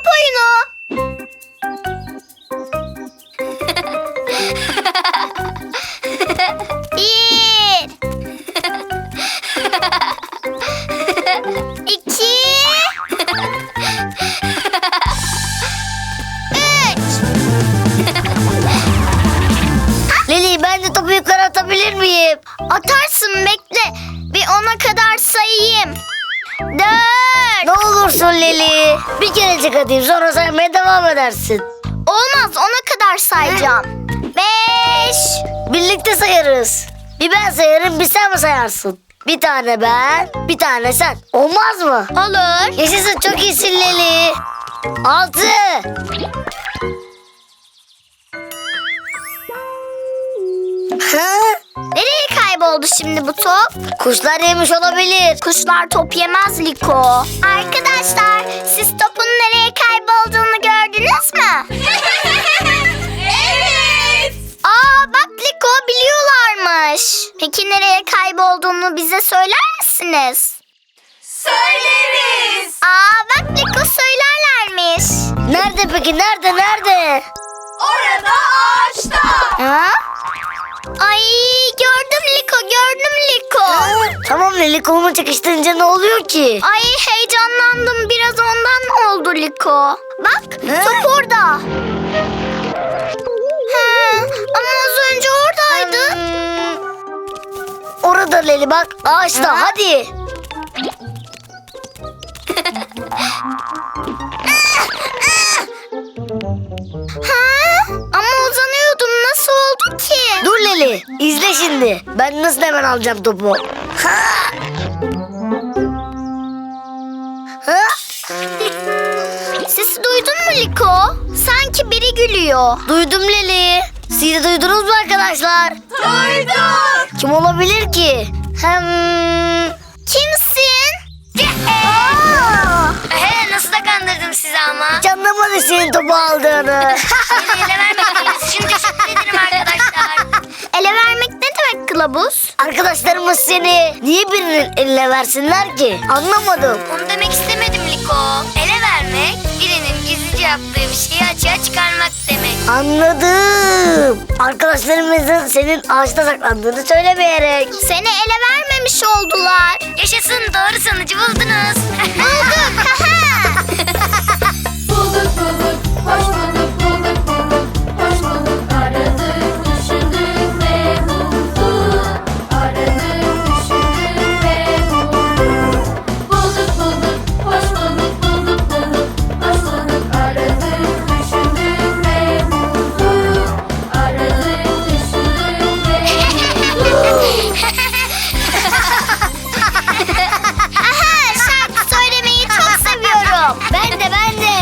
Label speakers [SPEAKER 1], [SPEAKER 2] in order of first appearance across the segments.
[SPEAKER 1] oyunu. Bir. İki. Üç.
[SPEAKER 2] Leli, ben de topu yukarı atabilir miyim?
[SPEAKER 1] Atarsın, bekle. Bir 10'a kadar sayayım. 4.
[SPEAKER 2] Ne olursun Leli. Bir kerecik atayım, sonra saymaya devam edersin.
[SPEAKER 1] Olmaz, 10'a kadar sayacağım. 5.
[SPEAKER 2] Birlikte sayarız. Bir ben sayarım, bir sen mi sayarsın? Bir tane ben, bir tane sen. Olmaz mı?
[SPEAKER 1] Olur.
[SPEAKER 2] Yaşasın, çok iyisin Leli. 6. Ha?
[SPEAKER 1] Nereye kayboldu şimdi bu top?
[SPEAKER 2] Kuşlar yemiş olabilir.
[SPEAKER 1] Kuşlar top yemez Liko. Arkadaşlar, siz topun nereye kaybolduğunu gördünüz mü? Evet. Aa, bak Liko, biliyorlarmış. Peki nereye kaybolduğunu bize söyler misiniz?
[SPEAKER 3] Söyleriz.
[SPEAKER 1] Aa, bak Liko, söylerlermiş.
[SPEAKER 2] Nerede peki? Nerede?
[SPEAKER 3] Orada ağaçta.
[SPEAKER 1] Ha? Ay, gördüm Liko.
[SPEAKER 2] Tamam Leli, kolumu çekiştirince ne oluyor ki?
[SPEAKER 1] Ay, heyecanlandım. Biraz ondan oldu Liko. Bak, top orada. He, ama az önce oradaydı.
[SPEAKER 2] Orada Leli, bak ağaçta. Hadi.
[SPEAKER 1] Ha? Ama uzanıyordum. Nasıl oldu ki?
[SPEAKER 2] Dur Leli, izle şimdi. Ben nasıl hemen alacağım topu. Ha! Ha?
[SPEAKER 1] Sesi duydun mu Liko? Sanki biri gülüyor.
[SPEAKER 2] Duydum Leli. Siz de duydunuz mu arkadaşlar?
[SPEAKER 3] Duyduk.
[SPEAKER 2] Kim olabilir ki?
[SPEAKER 1] Kimsin?
[SPEAKER 4] Nasıl da kandırdım sizi ama.
[SPEAKER 2] Hiç anlamadı senin topu aldığını.
[SPEAKER 4] Beni ele vermediğiniz için teşekkür ederim arkadaşlar.
[SPEAKER 1] Ele vermek ne demek kılavuz?
[SPEAKER 2] Arkadaşlarımız seni niye birinin eline versinler ki? Anlamadım.
[SPEAKER 4] Onu demek istemedim Liko. Ele vermek, birinin gizlice yaptığı bir şeyi açığa çıkarmak demek.
[SPEAKER 2] Anladım. Arkadaşlarımızın senin ağaçta saklandığını söylemeyerek.
[SPEAKER 1] Seni ele vermemiş oldular.
[SPEAKER 4] Yaşasın, doğru sonucu buldunuz.
[SPEAKER 1] Bulduk.
[SPEAKER 3] Bulduk, hoş bulduk, hoş bulduk. Aradık, düşündük ve bulduk. Aradık, düşündük ve bulduk. Bulduk, hoş bulduk, hoş bulduk. Aradık, düşündük ve bulduk. Aradık, düşündük ve bulduk.
[SPEAKER 1] Aha, şarkı söylemeyi çok seviyorum.
[SPEAKER 2] Ben de.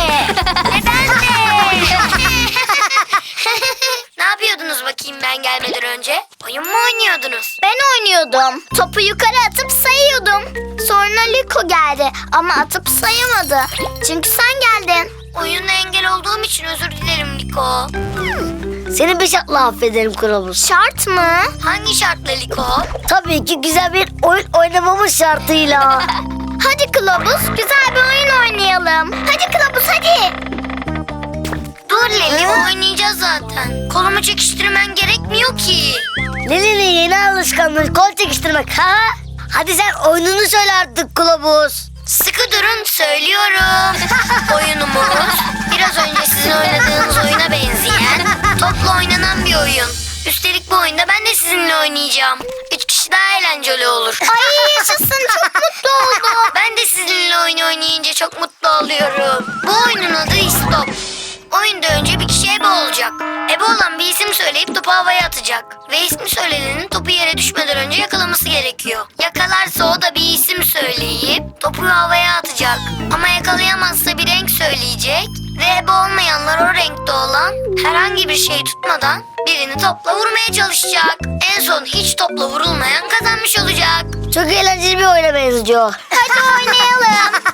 [SPEAKER 4] Ne yapıyordunuz bakayım ben gelmeden önce? Oyun mu oynuyordunuz?
[SPEAKER 1] Ben oynuyordum. Topu yukarı atıp sayıyordum. Sonra Liko geldi ama atıp sayamadı. Çünkü sen geldin.
[SPEAKER 4] Oyuna engel olduğum için özür dilerim Liko.
[SPEAKER 2] Seni bir şartla affederim kılavuz.
[SPEAKER 1] Şart mı?
[SPEAKER 4] Hangi şartla Liko?
[SPEAKER 2] Tabii ki güzel bir oyun oynamamız şartıyla.
[SPEAKER 1] Hadi kılavuz, güzel bir oyun oynayalım. Hadi kılavuz, hadi.
[SPEAKER 4] Dur Leli, oynayacağız zaten. Kolumu çekiştirmen gerekmiyor ki.
[SPEAKER 2] Leli'nin yeni alışkanlığı kol çekiştirmek. Ha? Hadi sen oyununu söyle artık kılavuz.
[SPEAKER 4] Sıkı durun, söylüyorum. Oyunumuz biraz önce sizin oynadığınız oyuna benzeyen, topla oynanan bir oyun. Üstelik bu oyunda ben de sizinle oynayacağım. 3 kişi daha eğlenceli olur.
[SPEAKER 1] Ay yaşasın, çok mutlu oldum.
[SPEAKER 4] Ben de sizinle oyun oynayınca çok mutlu oluyorum. Bu oyunun adı İstop. Oyunda önce bir kişi ebe olacak. Ebe olan bir isim söyleyip topu havaya atacak. Ve ismi söylenenin topu yere düşmeden önce yakalaması gerekiyor. Yakalarsa o da bir isim söyleyip topu havaya atacak. Ama yakalayamazsa bir renk söyleyecek. Ve ebe olmayanlar o renkte olan herhangi bir şey tutmadan birini topla vurmaya çalışacak. En son hiç topla vurulmayan kazanmış olacak.
[SPEAKER 2] Çok eğlenceli bir oyuna benziyor.
[SPEAKER 1] Hadi oynayalım.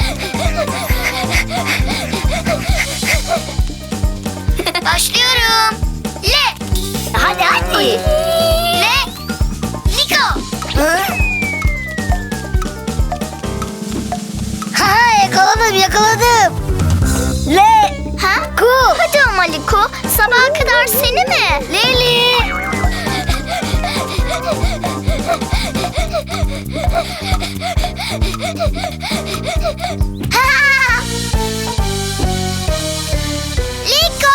[SPEAKER 4] Başlıyorum.
[SPEAKER 2] iyi.
[SPEAKER 4] Liko.
[SPEAKER 2] Hı? Ha, yakaladım.
[SPEAKER 1] Ha?
[SPEAKER 2] Ku.
[SPEAKER 1] Hadi ama Liko. Sabaha kadar seni mi?
[SPEAKER 2] Leli.
[SPEAKER 1] Ha! Liko!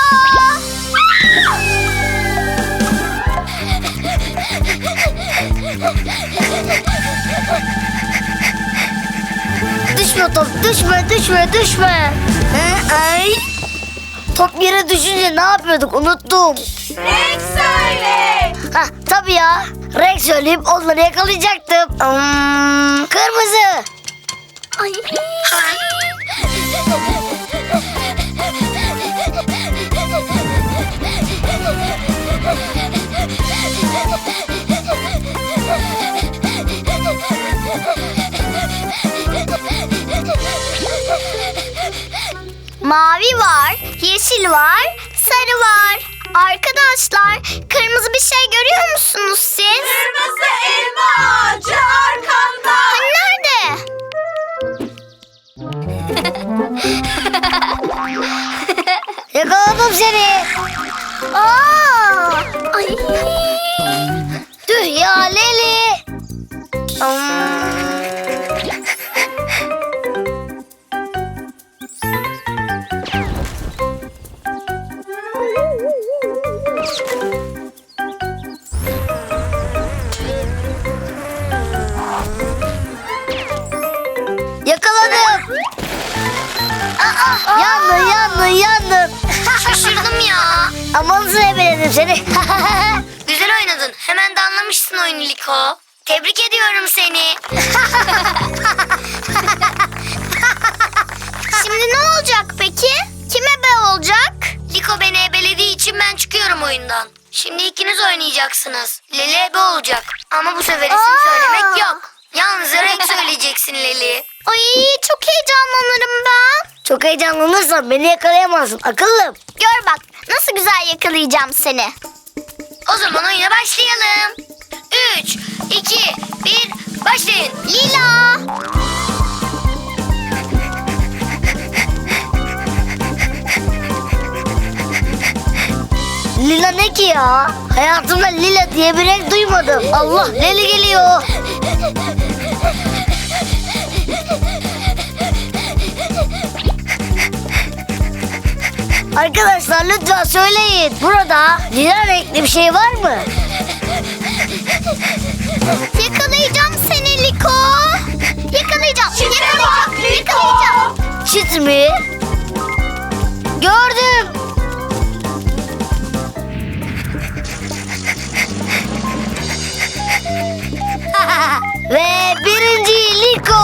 [SPEAKER 2] Düşme top, düşme. Ay. Top yere düşünce ne yapıyorduk unuttum.
[SPEAKER 3] Renk söyle.
[SPEAKER 2] Hah tabii ya. Renk söyleyip onları yakalayacaktım. Kırmızı.
[SPEAKER 1] Ay. Mavi var, yeşil var, sarı var. Arkadaşlar, kırmızı bir şey görüyor musunuz siz?
[SPEAKER 3] Kırmızı elma ağacı arkanda.
[SPEAKER 1] Hani nerede?
[SPEAKER 2] Yakaladım seni.
[SPEAKER 1] Aa! Ay.
[SPEAKER 2] Tüh ya Leli. Yakaladım. Yandın.
[SPEAKER 4] Şaşırdım ya.
[SPEAKER 2] Aman ebeledim seni.
[SPEAKER 4] Güzel oynadın. Hemen de anlamışsın oyunu Liko. Tebrik ediyorum seni.
[SPEAKER 1] Şimdi ne olacak peki? Kim ebe olacak?
[SPEAKER 4] Liko beni ebelediği için ben çıkıyorum oyundan. Şimdi ikiniz oynayacaksınız. Leli ebe olacak. Ama bu sefer isim söylemek yok. Yalnızca renk söyleyeceksin Leli.
[SPEAKER 1] Ay çok heyecanlanırım ben.
[SPEAKER 2] Çok heyecanlanırsan beni yakalayamazsın akıllım.
[SPEAKER 1] Gör bak nasıl güzel yakalayacağım seni.
[SPEAKER 4] O zaman oyuna başlayalım. 3, 2, 1, başlayın.
[SPEAKER 1] Lila.
[SPEAKER 2] Lila ne ki ya? Hayatımda lila diye bir renk duymadım. Allah Leli geliyor. Arkadaşlar lütfen söyleyin. Burada lila renkli bir şey var mı?
[SPEAKER 1] Yakalayacağım seni Liko. Yakalayacağım.
[SPEAKER 3] Çite bak Liko.
[SPEAKER 1] Yakalayacağım.
[SPEAKER 2] Çit mi? Gördüm. Ve birinci Liko.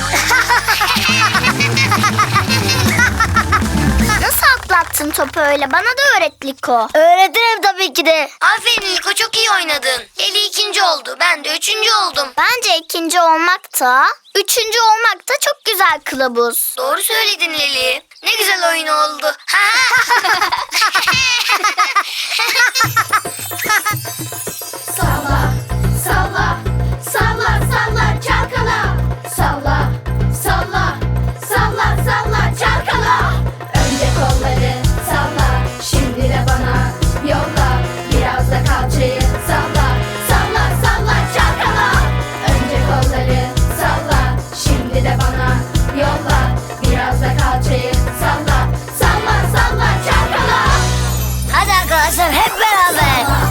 [SPEAKER 1] Nasıl atlattın topu öyle? Bana da öğret Liko.
[SPEAKER 2] Öğretirim tabii ki de.
[SPEAKER 4] Aferin Liko, çok iyi oynadın. Leli ikinci oldu. Ben de üçüncü oldum.
[SPEAKER 1] Bence ikinci olmak da, üçüncü olmak da çok güzel kılavuz.
[SPEAKER 4] Doğru söyledin Leli. Ne güzel oyun oldu.
[SPEAKER 3] Salla, salla, salla, salla, çalkala. Salla, salla, salla, salla, çalkala. Önce kolları salla, şimdi de bana yolla. Biraz da kalçayı salla, salla, salla, çalkala. Önce kolları salla, şimdi de bana yolla. Biraz da kalçayı salla, salla, salla, çalkala.
[SPEAKER 2] Hadi arkadaşlar hep beraber.